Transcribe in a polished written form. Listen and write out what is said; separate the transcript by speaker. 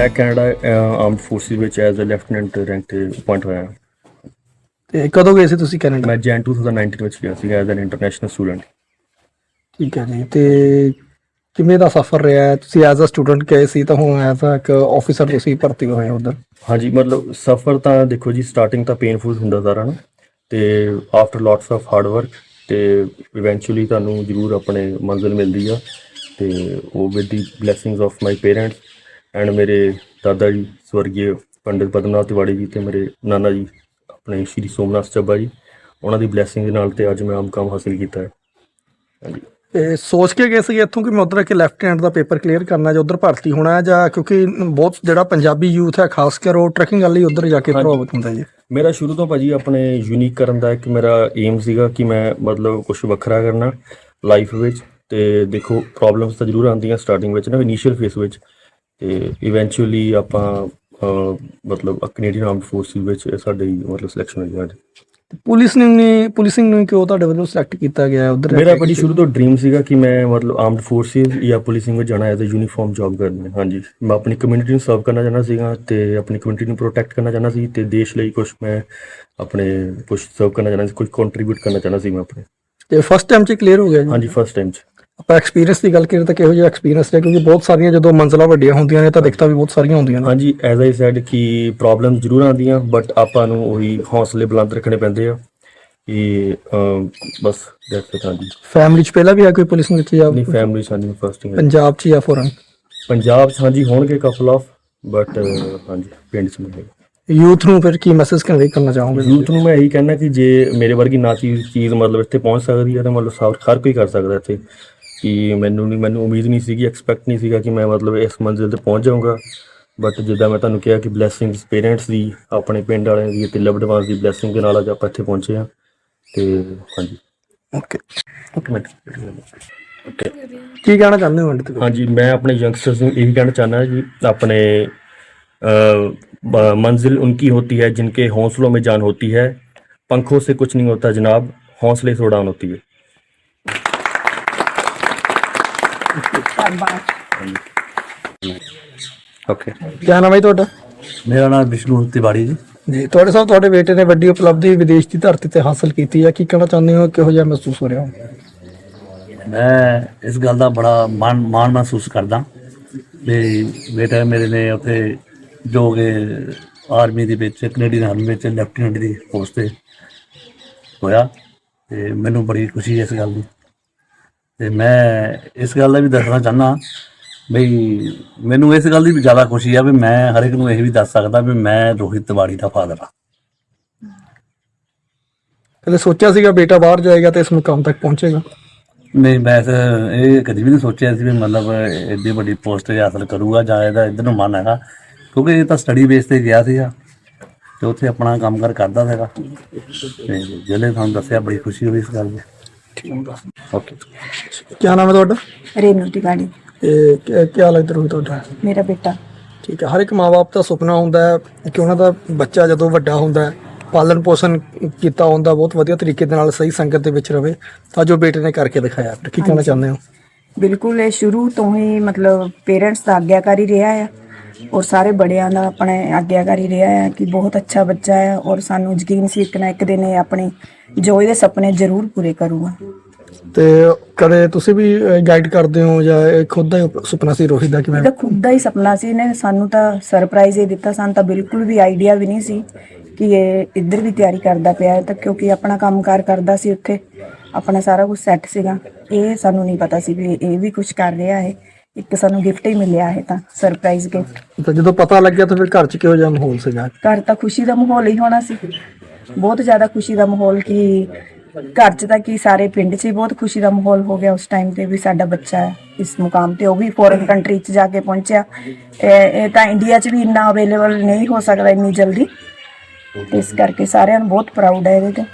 Speaker 1: ਮੈਂ Canada armed forces ਵਿੱਚ as a lieutenant rank 'ਤੇ ਅਪੁਆਇੰਟ ਹੋਇਆ।
Speaker 2: ਤੇ ਕਦੋਂ ਗਏ ਸੀ ਤੁਸੀਂ ਕੈਨੇਡਾ?
Speaker 1: ਮੈਂ ਜੈਨ 2019 ਵਿੱਚ ਗਿਆ ਸੀ ਐਜ਼ ਐਨ ਇੰਟਰਨੈਸ਼ਨਲ ਸਟੂਡੈਂਟ।
Speaker 2: ਠੀਕ ਹੈ ਜੀ। ਤੇ ਕਿਵੇਂ ਦਾ ਸਫ਼ਰ ਰਿਹਾ ਹੈ? ਤੁਸੀਂ ਐਜ਼ ਅ ਸਟੂਡੈਂਟ ਗਏ ਸੀ ਤਾਂ ਹੁਣ ਐਜ਼ ਅ ਇੱਕ ਆਫਿਸਰ ਤੁਸੀਂ ਭਰਤੀ ਹੋਏ ਹੋ ਉੱਧਰ।
Speaker 1: ਹਾਂਜੀ, ਮਤਲਬ ਸਫ਼ਰ ਤਾਂ ਦੇਖੋ ਜੀ, ਸਟਾਰਟਿੰਗ ਤਾਂ ਪੇਨਫੁਲ ਹੁੰਦਾ ਸਾਰਾ ਨਾ, ਅਤੇ after lots of hard work ਅਤੇ ਇਵੈਂਚੁਅਲੀ ਤੁਹਾਨੂੰ ਜ਼ਰੂਰ ਆਪਣੇ ਮੰਜ਼ਿਲ ਮਿਲਦੀ ਆ। ਅਤੇ ਉਹ with the blessings of my parents and ਮੇਰੇ ਦਾਦਾ ਜੀ ਸਵਰਗੀ ਪੰਡਿਤ ਪਦਮਨਾਥ ਤਿਵਾੜੀ ਜੀ ਅਤੇ ਮੇਰੇ ਨਾਨਾ ਜੀ ਆਪਣੇ ਸ਼੍ਰੀ ਸੋਮਨਾਥ ਚੱਬਾ ਜੀ, ਉਹਨਾਂ ਦੀ ਬਲੈਸਿੰਗ ਦੇ ਨਾਲ ਤੇ ਅੱਜ ਮੈਂ ਆਹ ਮੁਕਾਮ ਹਾਸਿਲ ਕੀਤਾ ਹੈ। ਹਾਂਜੀ।
Speaker 2: ਤੇ ਸੋਚ ਕੇ ਗਏ ਸੀਗੇ ਇੱਥੋਂ ਕਿ ਮੈਂ ਉੱਧਰ ਕਿ ਲੈਫਟੀਨੈਂਟ ਦਾ ਪੇਪਰ ਕਲੀਅਰ ਕਰਨਾ ਜਾਂ ਉੱਧਰ ਭਰਤੀ ਹੋਣਾ ਹੈ, ਜਾਂ ਕਿਉਂਕਿ ਬਹੁਤ ਜਿਹੜਾ ਪੰਜਾਬੀ ਯੂਥ ਹੈ ਖਾਸ ਕਰ ਉਹ ਟਰੈਕਿੰਗ ਵਾਲੀ ਉੱਧਰ ਜਾ ਕੇ ਪ੍ਰਭਾਵਿਤ ਹੁੰਦਾ ਜੀ?
Speaker 1: ਮੇਰਾ ਸ਼ੁਰੂ ਤੋਂ ਭਾਜੀ ਆਪਣੇ ਯੂਨੀਕ ਕਰਨ ਦਾ ਇੱਕ ਮੇਰਾ ਏਮ ਸੀਗਾ ਕਿ ਮੈਂ ਮਤਲਬ ਕੁਛ ਵੱਖਰਾ ਕਰਨਾ ਲਾਈਫ ਵਿੱਚ। ਅਤੇ ਦੇਖੋ ਪ੍ਰੋਬਲਮਸ ਤਾਂ ਜ਼ਰੂਰ ਆਉਂਦੀਆਂ ਸਟਾਰਟਿੰਗ ਵਿੱਚ ਨਾ, ਇਨੀਸ਼ੀਅਲ ਫੇਸ ਵਿੱਚ, ਅਤੇ ਇਵੈਂਚੁਅਲੀ ਆਪਾਂ ਮਤਲਬ ਕੈਨੇਡੀਅਨ ਆਰਮਡ ਫੋਰਸਿਸ ਵਿੱਚ ਸਾਡੀ ਮਤਲਬ ਸਿਲੈਕਸ਼ਨ ਹੋਈ ਅੱਜ।
Speaker 2: ਪੁਲਿਸਿੰਗ ਨੂੰ ਕਿਉਂ ਤੁਹਾਡੇ ਵੱਲੋਂ ਸਿਲੈਕਟ ਕੀਤਾ ਗਿਆ ਉੱਧਰ?
Speaker 1: ਮੇਰਾ ਭਾਜੀ ਸ਼ੁਰੂ ਤੋਂ ਡਰੀਮ ਸੀਗਾ ਕਿ ਮੈਂ ਮਤਲਬ ਆਰਮਡ ਫੋਰਸਿਸ ਜਾਂ ਪੁਲਿਸਿੰਗ ਵਿੱਚ ਜਾਣਾ ਐਜ਼ ਅ ਯੂਨੀਫਾਰਮ ਜੋਬ ਕਰਨੀ। ਹਾਂਜੀ, ਮੈਂ ਆਪਣੀ ਕਮਿਊਨਿਟੀ ਨੂੰ ਸਰਵ ਕਰਨਾ ਚਾਹੁੰਦਾ ਸੀਗਾ ਅਤੇ ਆਪਣੀ ਕਮਿਊਨਿਟੀ ਨੂੰ ਪ੍ਰੋਟੈਕਟ ਕਰਨਾ ਚਾਹੁੰਦਾ ਸੀ, ਅਤੇ ਦੇਸ਼ ਲਈ ਕੁਛ ਮੈਂ ਆਪਣੇ ਕੁਛ ਸਰਵ ਕਰਨਾ ਚਾਹੁੰਦਾ ਸੀ, ਕੁਛ ਕੰਟਰੀਬਿਊਟ ਕਰਨਾ ਚਾਹੁੰਦਾ ਸੀ ਮੈਂ ਆਪਣੇ।
Speaker 2: ਤੇ ਫਸਟ ਟਾਈਮ 'ਚ ਕਲੀਅਰ ਹੋ ਗਿਆ ਜੀ?
Speaker 1: ਹਾਂਜੀ, ਫਸਟ ਟਾਈਮ 'ਚ।
Speaker 2: ਆਪਾਂ ਐਕਸਪੀਰੀਅੰਸ ਦੀ ਗੱਲ ਕਰੀਏ ਤਾਂ ਕਿਹੋ ਜਿਹਾ ਐਕਸਪੀਰੀਅੰਸ ਰਿਹਾ? ਕਿਉਂਕਿ ਬਹੁਤ ਸਾਰੀਆਂ ਜਦੋਂ ਮੰਜ਼ਲਾਂ ਵੱਡੀਆਂ ਹੁੰਦੀਆਂ ਨੇ ਤਾਂ ਦਿੱਕਤਾਂ ਵੀ ਬਹੁਤ ਸਾਰੀਆਂ ਹੁੰਦੀਆਂ ਨੇ।
Speaker 1: ਹਾਂਜੀ, ਐਜ਼ ਆਈ ਸੈਡ ਕਿ ਪ੍ਰੋਬਲਮ ਜ਼ਰੂਰ ਆਉਂਦੀਆਂ, ਬਟ ਆਪਾਂ ਨੂੰ ਉਹੀ ਹੌਸਲੇ ਬੁਲੰਦ ਰੱਖਣੇ ਪੈਂਦੇ ਆ ਕਿ ਬਸ ਦੈਟਸ ਇਟ। ਹਾਂਜੀ।
Speaker 2: ਫੈਮਿਲੀ 'ਚ ਪਹਿਲਾਂ ਵੀ ਹੈ ਕੋਈ ਪੁਲਿਸ ਵਿੱਚ ਜਾਂ
Speaker 1: ਆਪਣੀ ਫੈਮਿਲੀ ਸਾਨੂੰ ਫਸਟ ਹੀ
Speaker 2: ਪੰਜਾਬ 'ਚ ਜਾਂ ਫੋਰਨ?
Speaker 1: ਪੰਜਾਬ 'ਚ ਹਾਂਜੀ ਹੋਣਗੇ ਕਪਲ ਆਫ, ਬਟ ਹਾਂਜੀ ਪਿੰਡ 'ਚ ਨਹੀਂ।
Speaker 2: ਯੂਥ ਨੂੰ ਫਿਰ ਕੀ ਮੈਸੇਜ ਕਨਵੇ ਕਰਨਾ ਚਾਹੋਗੇ?
Speaker 1: ਯੂਥ ਨੂੰ ਮੈਂ ਇਹੀ ਕਹਿਣਾ ਕਿ ਜੇ ਮੇਰੇ ਵਰਗੀ ਨਾ ਚੀਜ਼ ਮਤਲਬ ਇੱਥੇ ਪਹੁੰਚ ਸਕਦੀ ਹੈ ਤਾਂ ਮਤਲਬ ਹਰ ਕੋਈ ਕਰ ਸਕਦਾ ਇੱਥੇ। ਕਿ ਮੈਨੂੰ ਉਮੀਦ ਨਹੀਂ ਸੀਗੀ, ਐਕਸਪੈਕਟ ਨਹੀਂ ਸੀਗਾ ਕਿ ਮੈਂ ਮਤਲਬ ਇਸ ਮੰਜ਼ਿਲ 'ਤੇ ਪਹੁੰਚ ਜਾਊਂਗਾ, ਬਟ ਜਿੱਦਾਂ ਮੈਂ ਤੁਹਾਨੂੰ ਕਿਹਾ ਕਿ ਬਲੈਸਿੰਗਸ ਪੇਰੈਂਟਸ ਦੀ, ਆਪਣੇ ਪਿੰਡ ਵਾਲਿਆਂ ਦੀ ਅਤੇ ਲਵਡ ਵਨਸ ਦੀ ਬਲੈਸਿੰਗ ਦੇ ਨਾਲ ਅੱਜ ਆਪਾਂ ਇੱਥੇ ਪਹੁੰਚੇ ਹਾਂ। ਅਤੇ ਹਾਂਜੀ।
Speaker 2: Okay
Speaker 1: okay.
Speaker 2: ਕੀ ਕਹਿਣਾ ਚਾਹੁੰਦੇ ਹੋ ਅੰਤ?
Speaker 1: ਹਾਂਜੀ, ਮੈਂ ਆਪਣੇ ਯੰਗਸਟਰਸ ਨੂੰ ਇਹੀ ਕਹਿਣਾ ਚਾਹੁੰਦਾ ਜੀ, ਆਪਣੇ मंजिल उनकी होती है जिनके हौसलों में जान होती है, पंखों से कुछ नहीं होता जनाब, हौसले से उड़ान होती है। ओके।
Speaker 2: क्या नाम है ਤੁਹਾਡਾ?
Speaker 3: ਮੇਰਾ ਨਾਮ ਵਿਸ਼ਨੂੰ ਤਿਵਾੜੀ ਜੀ।
Speaker 2: ਜੀ ਤੁਹਾਡੇ ਸਾਹਿਬ, ਤੁਹਾਡੇ ਬੇਟੇ ਨੇ ਵੱਡੀ ਉਪਲਬਧੀ ਵਿਦੇਸ਼ ਦੀ ਧਰਤੀ ਤੇ ਹਾਸਲ ਕੀਤੀ ਹੈ, ਕੀ ਕਹਿਣਾ ਚਾਹੁੰਦੇ ਹੋ? ਕਿਹੋ ਜਿਹਾ ਮਹਿਸੂਸ ਹੋ ਰਿਹਾ ਹੋ?
Speaker 3: ਮੈਂ ਇਸ ਗੱਲ ਦਾ ਬੜਾ ਮਾਣ ਮਹਿਸੂਸ ਕਰਦਾ ਵੀ ਬੇਟਾ ਮੇਰੇ ਨੇ ਉੱਥੇ ਜੋ ਕਿ ਆਰਮੀ ਦੇ ਵਿੱਚ, ਕੈਨੇਡੀਅਨ ਆਰਮੀ ਵਿੱਚ ਲੈਫਟੀਨੈਂਟ ਦੀ ਪੋਸਟ 'ਤੇ ਹੋਇਆ, ਅਤੇ ਮੈਨੂੰ ਬੜੀ ਖੁਸ਼ੀ ਹੈ ਇਸ ਗੱਲ ਦੀ। ਅਤੇ ਮੈਂ ਇਸ ਗੱਲ ਦਾ ਵੀ ਦੱਸਣਾ ਚਾਹੁੰਦਾ ਬਈ ਮੈਨੂੰ ਇਸ ਗੱਲ ਦੀ ਵੀ ਜ਼ਿਆਦਾ ਖੁਸ਼ੀ ਆ ਵੀ ਮੈਂ ਹਰ ਇੱਕ ਨੂੰ ਇਹ ਵੀ ਦੱਸ ਸਕਦਾ ਵੀ ਮੈਂ ਰੋਹਿਤ ਤਿਵਾੜੀ ਦਾ ਫਾਦਰ ਹਾਂ।
Speaker 2: ਕਦੇ ਸੋਚਿਆ ਸੀਗਾ ਬੇਟਾ ਬਾਹਰ ਜਾਏਗਾ ਤੇ ਇਸ ਮੁਕਾਮ ਤੱਕ ਪਹੁੰਚੇਗਾ?
Speaker 3: ਨਹੀਂ, ਮੈਂ ਇਹ ਕਦੀ ਵੀ ਨਹੀਂ ਸੋਚਿਆ ਸੀ ਵੀ ਮਤਲਬ ਐਡੀ ਵੱਡੀ ਪੋਸਟ ਹਾਸਲ ਕਰੂਗਾ ਜਾਂ ਇਹਦਾ ਇੱਧਰ ਨੂੰ ਮਨ ਹੈਗਾ, ਕਿਉਂਕਿ ਇਹ ਤਾਂ ਸਟੱਡੀ ਬੇਸ 'ਤੇ ਗਿਆ ਸੀਗਾ ਅਤੇ ਉੱਥੇ ਆਪਣਾ ਕੰਮ ਕਾਰ ਕਰਦਾ ਸੀਗਾ, ਅਤੇ ਜਿਹੜੇ ਤੁਹਾਨੂੰ ਦੱਸਿਆ ਬੜੀ ਖੁਸ਼ੀ ਹੋਈ ਇਸ ਗੱਲ ਦੀ।
Speaker 1: ओके।
Speaker 2: क्या नाम है ਤੁਹਾਡਾ?
Speaker 4: रेनू तिवाड़ी।
Speaker 2: क्या ਲੱਗਦਾ ਰੋਹਿਤ ਤੁਹਾਡਾ?
Speaker 4: मेरा बेटा।
Speaker 2: ਠੀਕ ਹੈ। ਹਰ ਇੱਕ ਮਾਂ-ਬਾਪ ਦਾ ਸੁਪਨਾ ਹੁੰਦਾ ਹੈ ਕਿ ਉਹਨਾਂ ਦਾ ਬੱਚਾ ਜਦੋਂ ਵੱਡਾ ਹੁੰਦਾ ਹੈ, ਪਾਲਣ ਪੋਸ਼ਣ ਕੀਤਾ ਹੁੰਦਾ ਬਹੁਤ ਵਧੀਆ ਤਰੀਕੇ ਦੇ ਨਾਲ, ਸਹੀ ਸੰਗਤ ਦੇ ਵਿੱਚ ਰਵੇ, ਤਾਂ ਜੋ ਬੇਟੇ ਨੇ ਕਰਕੇ ਦਿਖਾਇਆ। ਕੀ ਕਹਿਣਾ ਚਾਹੁੰਦੇ ਹੋ?
Speaker 4: ਬਿਲਕੁਲ, ਇਹ ਸ਼ੁਰੂ ਤੋਂ ਹੀ ਮਤਲਬ ਪੇਰੈਂਟਸ ਦਾ ਆਗਿਆਕਾਰੀ ਰਿਹਾ ਹੈ ਔਰ ਸਾਰੇ ਬੜਿਆਂ ਦਾ ਆਪਣੇ ਆਗਿਆਕਾਰੀ ਰਿਹਾ ਹੈ ਕਿ ਬਹੁਤ ਅੱਛਾ ਬੱਚਾ ਹੈ, ਔਰ ਸਾਨੂੰ ਯਕੀਨ ਸੀ ਇੱਕ ਨਾ ਇੱਕ ਦਿਨ ਇਹ ਆਪਣੇ ਜੋ ਇਹਦੇ ਸੁਪਨੇ ਜ਼ਰੂਰ ਪੂਰੇ ਕਰੂਗਾ।
Speaker 2: ਤੇ ਕਦੇ ਤੁਸੀਂ ਵੀ ਗਾਈਡ ਕਰਦੇ ਹੋ ਜਾਂ ਇਹ ਖੁਦ ਦਾ ਹੀ ਸੁਪਨਾ ਸੀ ਰੋਹਿਤ ਦਾ? ਕਿਵੇਂ?
Speaker 4: ਇਹਦਾ ਖੁਦ ਦਾ ਹੀ ਸੁਪਨਾ ਸੀ, ਇਹਨੇ ਸਾਨੂੰ ਤਾਂ ਸਰਪ੍ਰਾਈਜ਼ ਹੀ ਦਿੱਤਾ। ਸਾਨੂੰ ਤਾਂ ਬਿਲਕੁਲ ਵੀ ਆਈਡੀਆ ਵੀ ਨਹੀਂ ਸੀ ਕਿ ਇਹ ਇੱਧਰ ਵੀ ਤਿਆਰੀ ਕਰਦਾ ਪਿਆ ਹੈ, ਤਾਂ ਕਿਉਂਕਿ ਆਪਣਾ ਕੰਮਕਾਰ ਕਰਦਾ ਸੀ ਉੱਥੇ, ਆਪਣਾ ਸਾਰਾ ਕੁਝ ਸੈੱਟ ਸੀਗਾ। ਇਹ ਸਾਨੂੰ ਨਹੀਂ ਪਤਾ ਸੀ ਵੀ ਇਹ ਵੀ ਕੁਝ ਕਰ ਰਿਹਾ ਹੈ। ਇੱਕ ਸਾਨੂੰ ਗਿਫਟ ਹੀ ਮਿਲਿਆ ਹੈ, ਤਾਂ ਸਰਪ੍ਰਾਈਜ਼ ਗਿਫਟ।
Speaker 2: ਤਾਂ ਜਦੋਂ ਪਤਾ ਲੱਗਿਆ ਤਾਂ ਫਿਰ ਘਰ 'ਚ ਕਿਹੋ ਜਿਹਾ ਮਾਹੌਲ ਸੀਗਾ?
Speaker 4: ਘਰ ਤਾਂ ਖੁਸ਼ੀ ਦਾ ਮਾਹੌਲ ਹੀ ਹੋਣਾ ਸੀ, ਬਹੁਤ ਜ਼ਿਆਦਾ ਖੁਸ਼ੀ ਦਾ ਮਾਹੌਲ। ਕਿ ਘਰ 'ਚ ਤਾਂ ਕੀ ਸਾਰੇ ਪਿੰਡ 'ਚ ਹੀ ਬਹੁਤ ਖੁਸ਼ੀ ਦਾ ਮਾਹੌਲ ਹੋ ਗਿਆ ਉਸ ਟਾਈਮ 'ਤੇ ਵੀ ਸਾਡਾ ਬੱਚਾ ਹੈ ਇਸ ਮੁਕਾਮ 'ਤੇ, ਉਹ ਵੀ ਫੋਰਨ ਕੰਟਰੀ 'ਚ ਜਾ ਕੇ ਪਹੁੰਚਿਆ। ਇਹ ਤਾਂ ਇੰਡੀਆ 'ਚ ਵੀ ਇੰਨਾ ਅਵੇਲੇਬਲ ਨਹੀਂ ਹੋ ਸਕਦਾ ਇੰਨੀ ਜਲਦੀ, ਇਸ ਕਰਕੇ ਸਾਰਿਆਂ ਨੂੰ ਬਹੁਤ ਪ੍ਰਾਊਡ ਹੈ ਇਹਦੇ 'ਤੇ।